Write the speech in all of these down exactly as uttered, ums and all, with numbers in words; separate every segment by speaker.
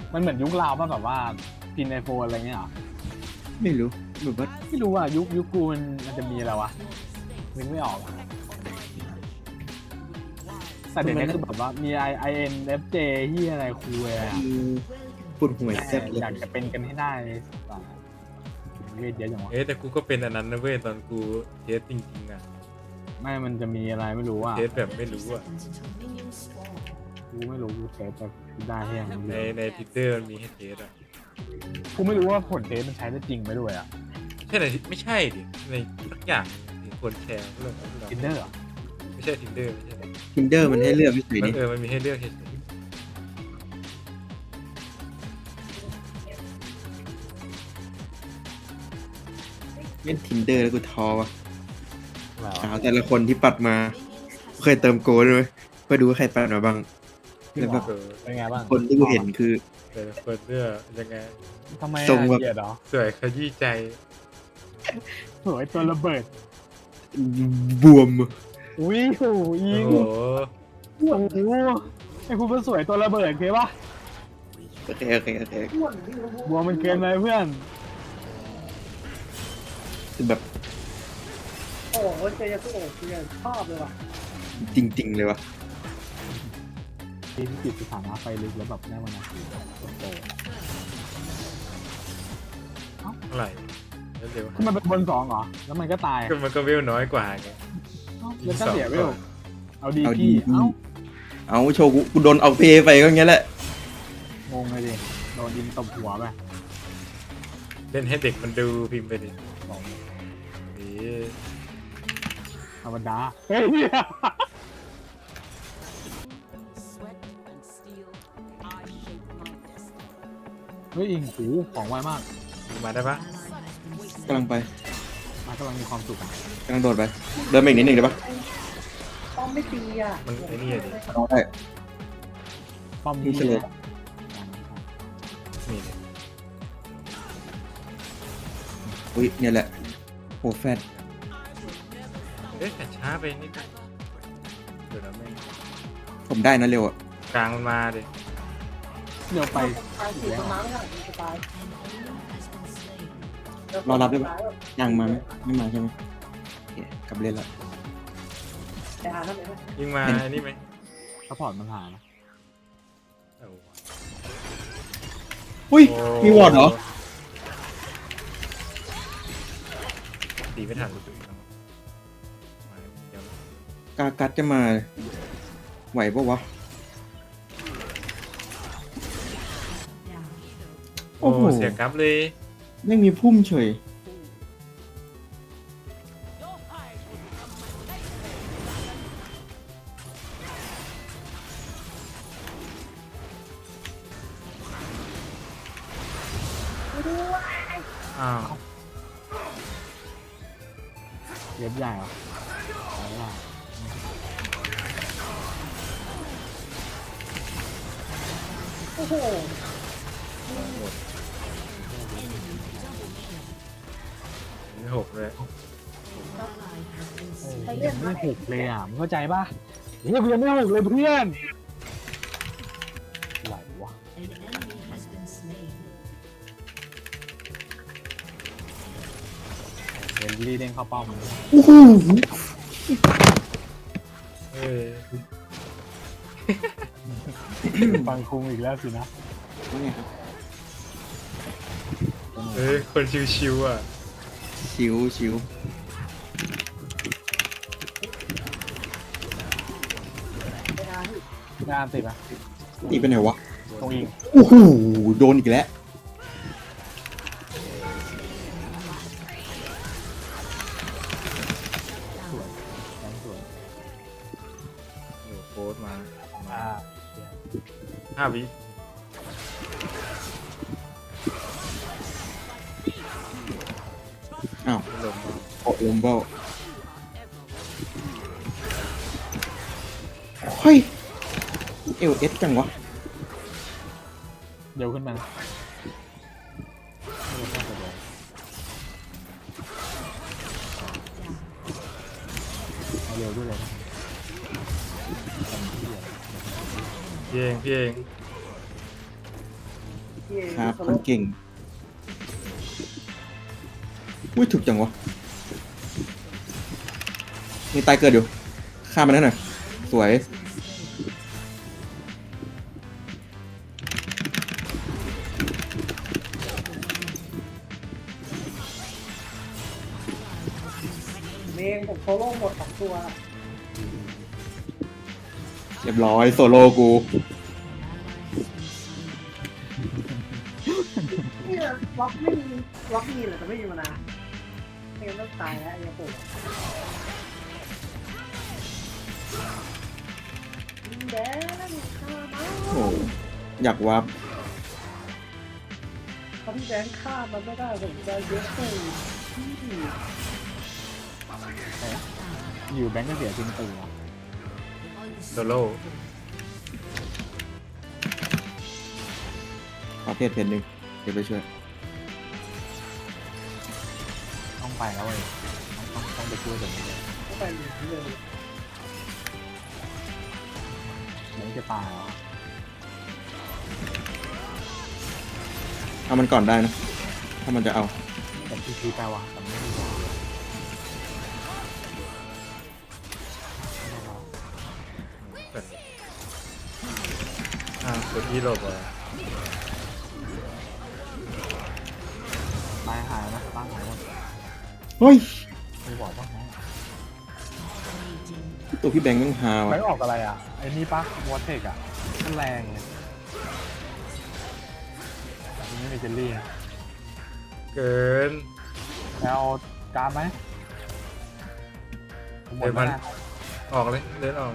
Speaker 1: มันเหมือนยุคเราป่ะแบบว่าพินไอโฟนอะไรเงี้ยเหรอ
Speaker 2: ไม่รู้แบบว่า
Speaker 1: ไม่รู้อ่ะยุคยุคกูมันมันจะมีอะไรวะนึกไม่ออกอะแต่เดี๋ยวนี้คือแบบว่ามี I I N F J ที่อะไรคูลเลยอ่ะ
Speaker 2: ปวดหัวแซ่บเลย
Speaker 1: อยากจะเป็นกันให้ได้เวทเยอะจังวะ
Speaker 3: เอ๊ะแต่กูก็เป็นอันนั้นนะเว้ยตอนกูเทสจริงๆอ่ะ
Speaker 1: ไม่มันจะมีอะไรไม่รู้อ่ะ
Speaker 3: เทสแบบไม่รู้อ่ะ
Speaker 1: กูไม่รู้กูเทสแต่กูได้แค่ยัง
Speaker 3: ในในทิตเตอร์มันมีให้เทสอ่ะ
Speaker 1: กูไม่รู้ว่าผลเทสมันใช้ได้จริงไหมด้วยอ่ะ
Speaker 3: ใช่ไหนไม่ใช่ดิในทุกอย่างที่คนแชร์เรื่องของเรา
Speaker 1: ทินเนอร์เหรอ
Speaker 3: ไม่ใช่ทินเดอร์ไม่ใช่
Speaker 2: ทินเดอร์มันให้เลือกเฉย
Speaker 3: มั
Speaker 2: ๆ
Speaker 3: น
Speaker 2: นี่
Speaker 3: เออมันมีให้เลือกเฉย
Speaker 2: เล่นทินเดอร์แล้วกูท้อว่ะ
Speaker 1: อะไร
Speaker 2: สาว
Speaker 1: วะ
Speaker 2: แต่ละคนที่ปัดมา เคยเติมโกลด้วยเพื่อดูว่าใครปัดมาบ้าง
Speaker 1: พี่
Speaker 2: แล้ว
Speaker 1: บ
Speaker 2: แบ
Speaker 1: อบ ก
Speaker 3: เออ
Speaker 1: เป็นไงบ้าง
Speaker 2: คนที่กูเห็นคือ
Speaker 3: แต่ละคนเลือกยังไง
Speaker 1: ทำไม
Speaker 2: ทรงแบบ
Speaker 1: เกลียดเหรอ
Speaker 3: สวยขยี้ใจ
Speaker 1: สวยตัวระเบิด
Speaker 2: บวม
Speaker 1: อุ้ยโหยิ
Speaker 3: โอ้
Speaker 1: ง
Speaker 3: โห
Speaker 1: โอ้โหไอ้คุณเป็นสวยตัวระเบิดเคปะ
Speaker 2: โอเคโอเคโอเค
Speaker 1: บัวมันเกินไปเพื่อน
Speaker 2: คือแบบ
Speaker 4: โอ้โหเจยาสุโอะคือชอบเลยว่ะ
Speaker 2: จริง ๆ เลยว่ะ
Speaker 1: ทีที่ติดสถานะไฟลึกแล้วแบบได้มานาทีโอ้โห
Speaker 3: เท่าไหร่เร็ว
Speaker 1: คือมันเป็นบนสองเหรอแล้วมันก็ตาย
Speaker 3: ๆก็มันก็เวลน้อยกว่าไง
Speaker 1: เอ้าแล้วก็เสียเวลเอาดี
Speaker 2: เอาดี
Speaker 1: พี่เอ้า
Speaker 2: เอาโชว์กูกูโดนเอาเพย์ไปก็อย่างเงี้ยแหละ
Speaker 1: งงเลยดิโดนดินตบหัวไป
Speaker 3: เล่นให้เด็กมันดูพิมพ์ไปดิ
Speaker 1: บอก
Speaker 3: ดี
Speaker 1: ธรรมดาเฮ้ย เฮ้ยอิงหูของไวมาก
Speaker 3: มาได้ปะ
Speaker 2: กำลังไป
Speaker 1: มันกำลังมีความสุขอะ
Speaker 2: กำลังโดดไป เดินไปอีกนิดหนึ่งได้ปะ
Speaker 4: ป้อมไม่ตีอ่ะ
Speaker 3: มันไอ้นี่อะดิ
Speaker 2: เอาได้
Speaker 1: ป้อม
Speaker 2: นี่
Speaker 1: นี้
Speaker 2: เฉลย
Speaker 1: นะ
Speaker 3: นี่ดิ
Speaker 2: อุ้ยเนี่ยแหละโหแฟน
Speaker 3: เอ๊ะแต่ช้าไปนิดนึงเดี๋ยวนะแม่ง
Speaker 2: ผมได้นะเร็วอ่ะ
Speaker 3: กลางมันมาดิ
Speaker 1: เดี๋ยวไป
Speaker 4: ตายสี่ประมาณไม่เท่าไหร่จะตาย
Speaker 2: รอรับได้ปะยังมาไหมไม่มาใช่ไหมโอเคกลับเล่นละ
Speaker 4: แต่หาทำไมไม่
Speaker 3: ยิงมาไอ้นี่ไหม
Speaker 1: ซัพพอร์ตมันหานะ
Speaker 3: เอาวะ
Speaker 2: อุ้ย
Speaker 3: โอ้
Speaker 2: มีวอร์ดเหรอ
Speaker 3: ตีไม่ทันรู้สึกแล้วมาเดี๋ยว
Speaker 2: กากัดจะมา ไหวปะวะ
Speaker 3: โอ้
Speaker 2: โอ้โห
Speaker 3: เสียกราฟเลย
Speaker 2: ไม่มีพุ่มเฉย
Speaker 3: อ้าว
Speaker 1: เว็บใหญ่เหรอเอาล่ะ
Speaker 4: โอ้โห
Speaker 3: ไม่หกเลย
Speaker 1: เอ้ยยังไม่หกเลยอ่ะมึงเข้าใจป่ะเฮ้ยกูยังไม่หกเลยเพื่อนไหววะเดนลี่เด้งเข้าเป้ามัน
Speaker 2: โอ้โห
Speaker 3: เอ้ย
Speaker 1: ฟังคุงอีกแล้วสินะ
Speaker 2: ว่าไงครับ
Speaker 3: เอ้ยคนชิวๆอ่ะ
Speaker 2: ชิวชิว
Speaker 4: ไปหาที่
Speaker 1: ได้อันติดปะ
Speaker 2: อีกไปไหนวะ
Speaker 1: ตรงอิง
Speaker 2: โอ้โห โดนอีกแล้ว
Speaker 1: สวยแรงสวย
Speaker 3: อยู่โค้ดมา มา
Speaker 1: อ่า
Speaker 3: ห้าวิ
Speaker 2: อ้าว
Speaker 3: ไม่ลงมา
Speaker 2: โอ้ลมเบ้าเฮ้ย เอลเอสจังวะ
Speaker 1: เร็วขึ้นมานะเอาเร็วด้วยเลยนะ
Speaker 3: พี่เองพี่เอง
Speaker 4: พี่
Speaker 2: ครับ
Speaker 4: โซ
Speaker 2: คน
Speaker 4: โล่
Speaker 2: เก่งอุ้ยถูกจังวะมีตายเกิดอยู่ฆ่ามันได้หน่อยสวย
Speaker 4: เมงผมโซโล่หมดสองตัว
Speaker 2: เรียบร้อยโซโล่กู
Speaker 4: เนี่ยล็อกไม่มีล็อกมีแหละแต่ไม่มีมานาไม่งั้นต้องตายแล้วไอ้ยังปวดแดงข้ามา
Speaker 2: โอ้โหอยากวับ
Speaker 4: ถ้าพี่แดงฆ่ามันไม่ได้ผมจะเยอะเลยพี่
Speaker 1: อยู่แบงก์ก็เสียจริงตื่น
Speaker 3: โซโล่
Speaker 2: ขอเพจเพจหนึ่งเดี๋ยวไปช่วย
Speaker 1: ต้องไปแล้วเว้ยต้องต้องต้องไปช่วยเดี๋ยวนี้เลย
Speaker 4: เข้าไปหนีเลย
Speaker 1: เดี๋ยวจะตายแล้ว
Speaker 2: เอามันก่อนได้นะ ถ้ามันจะเอา
Speaker 1: แต่ที่ที่แปลว่าแต่ไม่มีบอกเลย
Speaker 3: เป็นอ่าตัวที่หลบอ่ะ
Speaker 1: ตายหายนะตั้งหายหมด
Speaker 2: เฮ้ย
Speaker 1: ไม่บอกบ้างนะ
Speaker 2: ตัวพี่แบงค์แม่งฮา
Speaker 1: ไม่
Speaker 2: ว่ะ
Speaker 1: ออกอะไรอ่ะไอ้นี่ปะวอเทกอ่ะมันแรงเลยนี่ไม่มีเจลลี่นะ
Speaker 3: เกิน
Speaker 1: แล้วการ์ดไหมหมดแล้วนะ
Speaker 3: ออกเลยเดินออก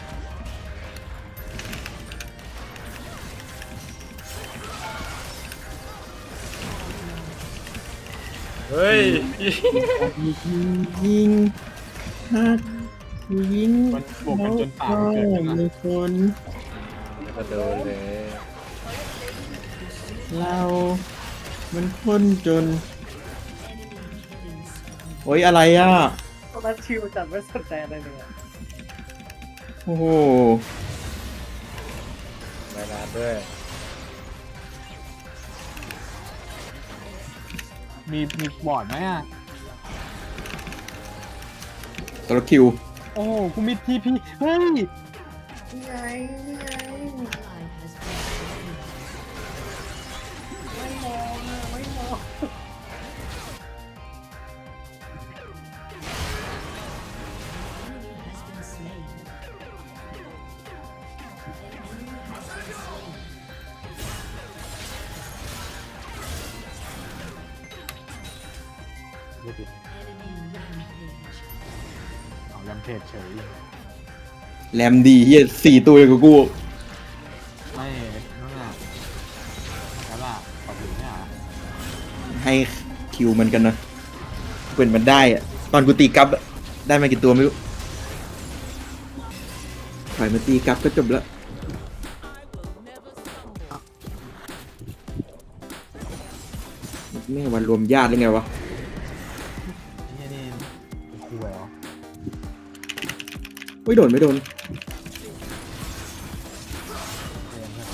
Speaker 3: เฮ้ย
Speaker 2: ยิงยิงฮักยิง
Speaker 1: มันบวกกันจนปากมันเกิดกันนะ
Speaker 2: มีคน
Speaker 3: กระโดดเลย
Speaker 2: เรา มันคนจน โอ้ยอะไรอ่ะ
Speaker 4: ตอนนั้นชิวจัดไม่สนใจอะไรเลยอะ
Speaker 2: โอ้โห
Speaker 3: ไปนานด้วย
Speaker 1: มีมีบอร์ดไหมอ่ะ
Speaker 2: ตัวคิว
Speaker 1: โอ้กูมีทีพีเฮ้ย
Speaker 4: นี่ไงนี่ไงไม่มองอะไม่มอง
Speaker 1: เดี๋ยวดิเอาแรมเพจเฉย
Speaker 2: แรมดีเฮียสี่ตัวเลยกับกู
Speaker 1: ไม่นั่นน่ะแล้วล่ะขอบคุณเนี่ย
Speaker 2: ให้คิวมันกันนะเป็นมันได้อะตอนกูตีกับอะได้มากี่ตัวไม่รู้ปล่อยมาตีกับก็จบแล้วนี่วันรวมญาติหรือไงวะ
Speaker 1: นี่นี่เป็นครูเหรอ
Speaker 2: ไม่โดนไม่โดน
Speaker 1: เรียนเพื่อน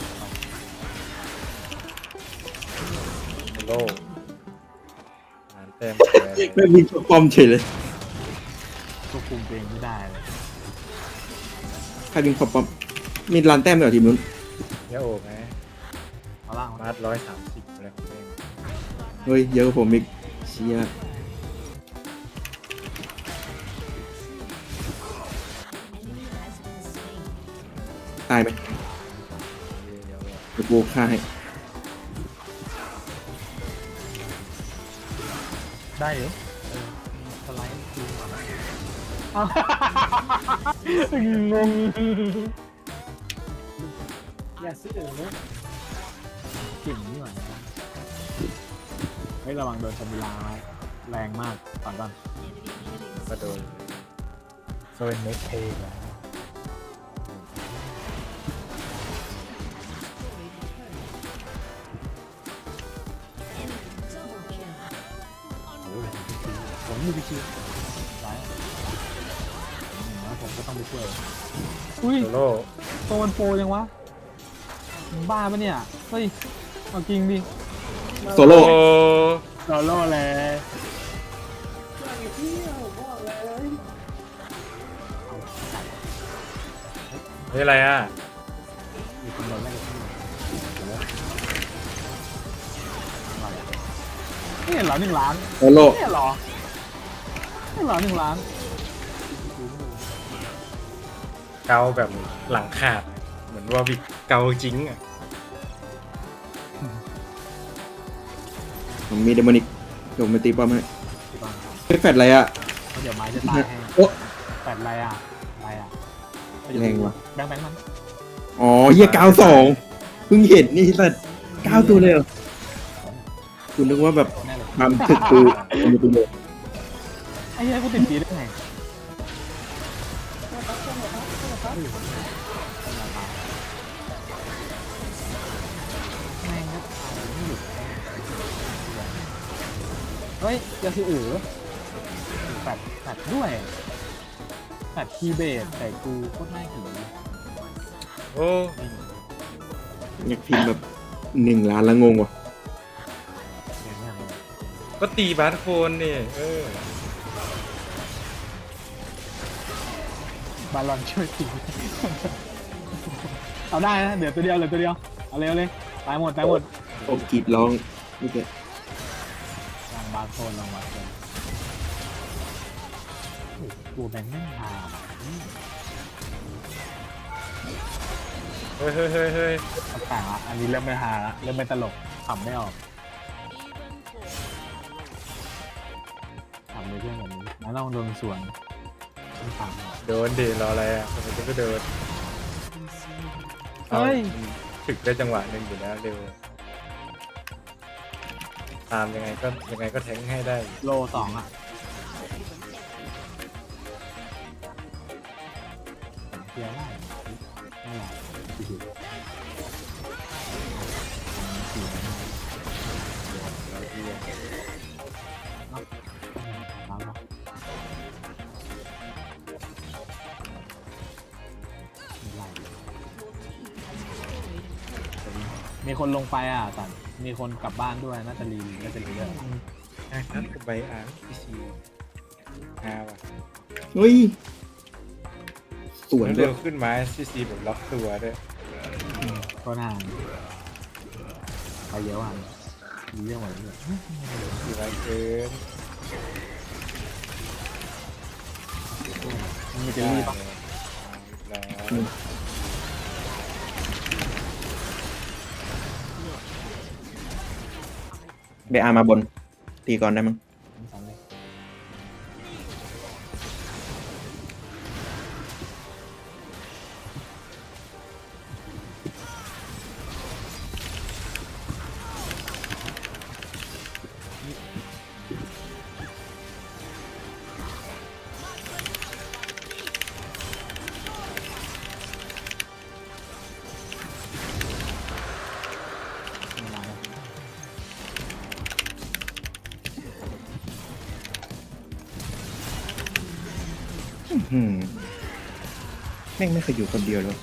Speaker 1: เรา
Speaker 3: โซโล่งานเต็มเลย
Speaker 2: ไม่มีปอมเฉยเลย
Speaker 1: ควบคุมตัวเองไม่ได้เลย
Speaker 2: ใครเป็นปอมมีลานแต้มด้วยเหรอทีมนู้น
Speaker 3: เยอะโอ้ไหม
Speaker 1: เอาล่าง
Speaker 3: มาร์ทร้อยสามสิบอะไรของเอง
Speaker 2: เฮ้ยเยอะกว่าผมอีกเชียตายไหม
Speaker 3: เยอะ
Speaker 2: เดี๋ยวกูฆ่าให้
Speaker 1: ได้เหรอเออสไลด์คิวอ้าวงง
Speaker 4: อย่าซื้อเออเลย
Speaker 1: เก่งนี่หว่าเฮ้ยระวังโดนชมิลาแรงมากก่อนก่อน
Speaker 3: กระโดด
Speaker 1: โซนเมคเพย์แล้วโอ้ยผมมีพิชิตไหนแล้วผมก็ต้องไปช่วยอุ้ย
Speaker 3: โซโล่
Speaker 1: โซนโปรยังวะมึงบ้าปะเนี่ย เฮ้ยเอาจริงดิ
Speaker 2: โซโล่
Speaker 3: โอ้
Speaker 1: โซโล่เลย
Speaker 4: ไอ้พี่ผมบอกเลย
Speaker 3: เฮ้ยอะไรอ่ะ
Speaker 1: มีคนโดนไล่กับพี่นี่เหรอหนึ่งล้าน
Speaker 2: โซโล่
Speaker 1: นี่เหรอนี่เหรอหนึ่งล้าน
Speaker 3: เกาแบบหลังขาด เหมือนว่าวิกเกาจริงอ่ะ
Speaker 2: ผมมีเดมอนิกเดี๋ยวผมไปตีป้อมให้
Speaker 1: ที่บ้าน
Speaker 2: ไม่แฟดอะไรอ่ะ
Speaker 1: เดี๋ยวไม้จะตายให้
Speaker 2: โอ้
Speaker 1: แปดอะไรอ่ะอะไรอ่ะ
Speaker 2: แรงว่ะ
Speaker 1: แบงค์แบงค์มัน
Speaker 2: อ๋อเฮียเก้าสองเพิ่งเห็นนี่สัตว์เก้าตัวเลยเหรอคุณนึกว่าแบบ
Speaker 1: แน่เลย
Speaker 2: ความถึกคือมีตัวเดียว
Speaker 1: ไอ้เหี้ยกูติดปีได้ไงแม่งก็ตายไม่หยุดเฮ้ยยาสิอือแปดแปดด้วยแปดคีย์เบสแต่กูโคตรน่าหิว
Speaker 3: โอ้
Speaker 2: อยากพิมพ์แบบหนึ่งล้านละงงว่ะ
Speaker 3: ก็ตีบาสโคนนี่เออบ
Speaker 1: าลอนช่วยตีเอาได้นะเดี๋ยวตัวเดียวเหลือตัวเดียวเอาเร็วเลยตายหมดตายหมด
Speaker 2: ผมกรีดร้องนี่แก
Speaker 1: ลองบาโซนลองบาโซนโอ้โหตัวแบงค์ไม่มา
Speaker 3: เฮ้ยเฮ้ยเฮ้ยเฮ้ย
Speaker 1: ต่างๆละอันนี้เริ่มไม่ฮาละเริ่มไม่ตลกขำไม่ออกขำเลยเพื่อนแบบนี้แล้วลองโดนสวนไม่ขำ
Speaker 3: โดนดิรออะไรอ่ะทำไมจะไม่โดน
Speaker 1: เฮ้ย
Speaker 3: อาถึกได้จังหวะหนึ่งอยู่แล้วเร็วตามยังไงก็ยังไงก็แทงให้ได้
Speaker 1: โลสองอ่ะเทียร์ได้ไม่หรอกสี่สิบสี่สิบ
Speaker 3: แล้วที่
Speaker 1: มาแล้วมีคนลงไปอ่ะแต่มีคนกลับบ้านด้วยน่าจะรีน่าจะรีด้วย
Speaker 3: อ่ะครับกับใบอ่างพีซีอาว่ะ
Speaker 2: เฮ้ยสวนเล
Speaker 3: เร็
Speaker 2: ยว
Speaker 3: ขึ้นมาซีซีแบบล็อกตัวด้วย
Speaker 1: ก็นานไปเยอะอ่ะมีเรื่องอะไรด้วย
Speaker 3: สีไรเกิน
Speaker 1: มันมีเจลลี่ปะ
Speaker 3: แล้ว
Speaker 2: เบอามาบน ตีก่อนได้มั้ง
Speaker 1: ไม่สำเร็จ
Speaker 2: อืมแม่งไม่เคยอยู่คนเดียวเลย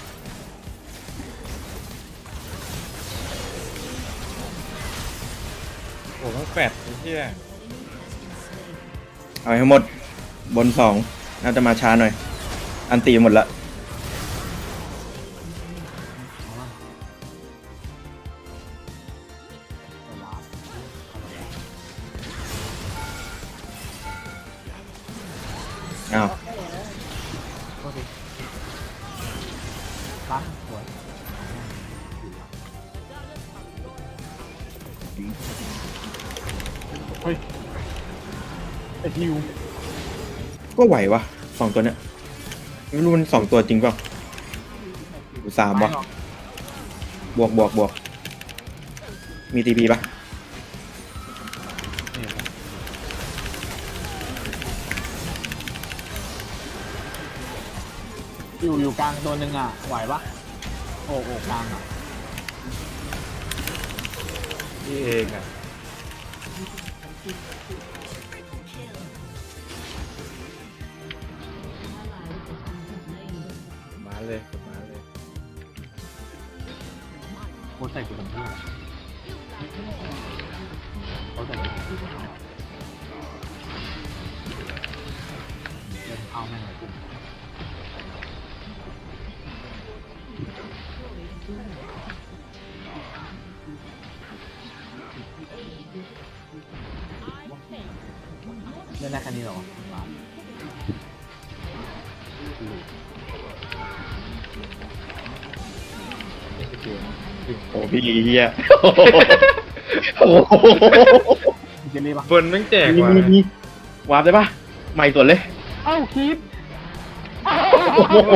Speaker 3: โอ้ต้องแปดไอ้เหี้ย
Speaker 2: เอาให้หมด บนสองน่าจะมาช้าหน่อย อันตีหมดละ อ้าว
Speaker 1: โทษทีล้างสวยเฮ้ยไอฮิว
Speaker 2: ก็ไหววะสองตัวเนี้ยไม่รู้มันสองตัวจริงเปล่าหรือสามวะ
Speaker 1: ไหรอก
Speaker 2: บวกบวกบวก มีทีพีปะ
Speaker 1: นี่อยู่อยู่กลางตัวหนึ่งอ่ะไหวปะโอ้โอ้กลางอ่ะ
Speaker 3: นี่เองอ่ะมาเลยมาเลย
Speaker 1: โคตรใส่กูเป็นเพื่อนเดินเข้าแม่งเลยกูเล่นได้แค่นี้เหรอวะ
Speaker 2: โอ้พี่เฮียโอ้โห
Speaker 1: มีเจลลี่ปะ
Speaker 3: บนแม่งแจก
Speaker 2: มี
Speaker 3: ว่ะ
Speaker 2: มีมีวาร์ปได้ปะใหม่สวนเลย
Speaker 1: เอ้าคีบ
Speaker 3: โอ้โห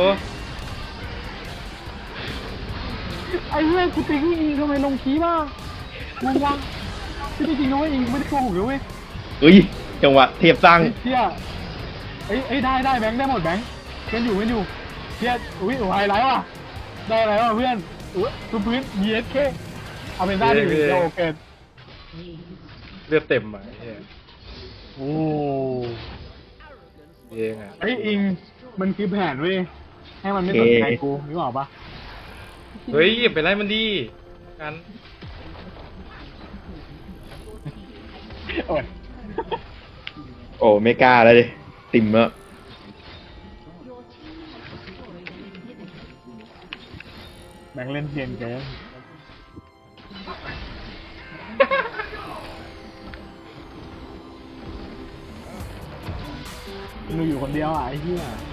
Speaker 1: ไอ้เหี้ยกูติ๊กยิงทำไมลงคีบอ่ะงงวะที่จริงๆนะเว้ยยิงไม่ได้โกหกเลยเว้ย
Speaker 2: เฮ้ยจังหวะเทียบสร้าง
Speaker 1: เชี่ยเอ้ยเอ้ยได้ได้แบงค์ได้หมดแบงค์เพื่อนอยู่เพื่อนอยู่เชี่ยอุ้ยโอ้ไฮไลท์ว่ะได้อะไรวะเพื่อนอุ้ยตัวพื้น เอ เอส เค เอาเป็นได้ดิเดี๋ยวโอเค
Speaker 3: เลือดเต็มอ่ะไอ้เหี้ย
Speaker 1: โอ้
Speaker 3: เองอ่ะ
Speaker 1: ไอ้ยอิงมันคือแผนเว้ยให้มันไม่สนใจกูนึกออกปะ
Speaker 3: เฮ้ยอย่าไปไล่มันดีกัน
Speaker 1: โอ้ย
Speaker 2: โอ้ไม่กล้าแล้วดิติ่มแล้ว
Speaker 1: แบงค์เล่นเกมเกินมึงอยู่คนเดียวอ่ะไอ้เหี้ย